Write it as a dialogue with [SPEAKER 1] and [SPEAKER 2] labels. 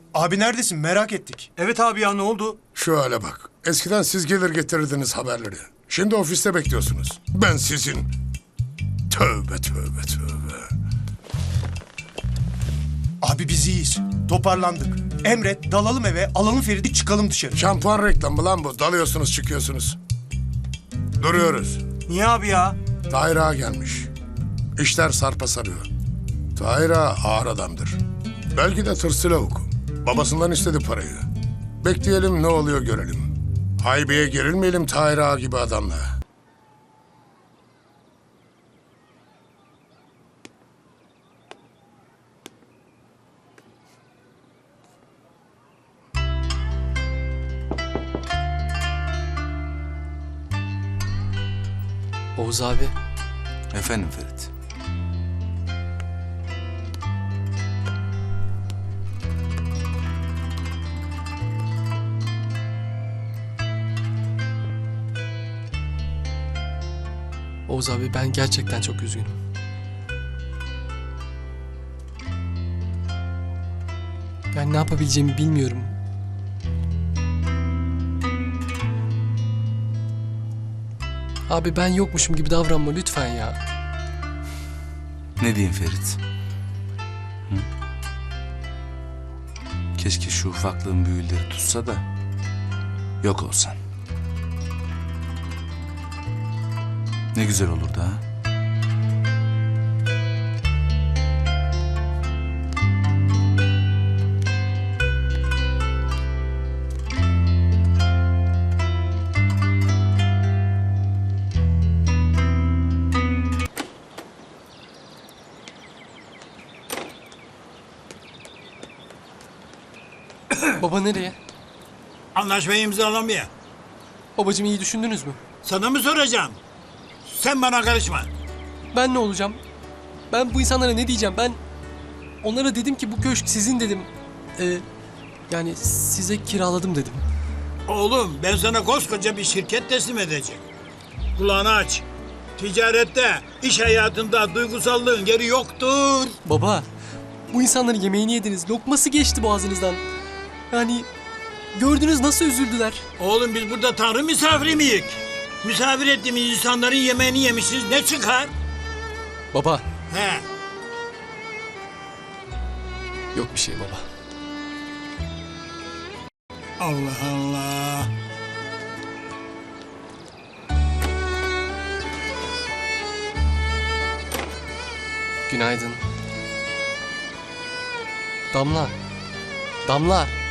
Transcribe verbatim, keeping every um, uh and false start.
[SPEAKER 1] Abi neredesin? Merak ettik.
[SPEAKER 2] Evet abi ya, ne oldu?
[SPEAKER 3] Şu hale bak. Eskiden siz gelir getirirdiniz haberleri. Şimdi ofiste bekliyorsunuz. Ben sizin. Tövbe tövbe tövbe.
[SPEAKER 1] Abi biz iyiyiz. Toparlandık. Emret, dalalım eve, alalım Ferit'i, çıkalım dışarı.
[SPEAKER 3] Şampuan reklamı lan bu. Dalıyorsunuz çıkıyorsunuz. Duruyoruz.
[SPEAKER 2] Niye abi ya?
[SPEAKER 3] Tahir Ağa gelmiş. İşler sarpa sarıyor. Tahir Ağa ağır adamdır. Belki de tırslı lavuk. Babasından istedi parayı. Bekleyelim, ne oluyor görelim. Haybeye gerilmeyelim Tahir Ağa gibi adamla.
[SPEAKER 4] Oğuz abi,
[SPEAKER 5] Efendim Ferit.
[SPEAKER 4] Oğuz abi ben gerçekten çok üzgünüm. Ben ne yapabileceğimi bilmiyorum. Abi ben yokmuşum gibi davranma lütfen ya.
[SPEAKER 5] Ne diyeyim Ferit? Hı? Keşke şu ufaklığın büyüleri tutsa da yok olsan. Ne güzel olurdu ha?
[SPEAKER 4] Baba nereye?
[SPEAKER 6] Anlaşmayı imzalamaya.
[SPEAKER 4] Babacığım iyi düşündünüz mü?
[SPEAKER 6] Sana mı soracağım? Sen bana karışma.
[SPEAKER 4] Ben ne olacağım? Ben bu insanlara ne diyeceğim? Ben onlara dedim ki bu köşk sizin dedim. Ee, yani size kiraladım dedim.
[SPEAKER 6] Oğlum ben sana koskoca bir şirket teslim edeceğim. Kulağını aç. Ticarette, iş hayatında duygusallığın yeri yoktur.
[SPEAKER 4] Baba, bu insanların yemeğini yediniz. Lokması geçti boğazınızdan. Yani gördünüz nasıl üzüldüler.
[SPEAKER 6] Oğlum biz burada tanrı misafiri miyiz? Misafir ettiğimiz insanların yemeğini yemişiz. Ne çıkar?
[SPEAKER 4] Baba,
[SPEAKER 6] He.
[SPEAKER 4] yok bir şey baba.
[SPEAKER 6] Allah Allah.
[SPEAKER 4] Günaydın. Damla. Damla.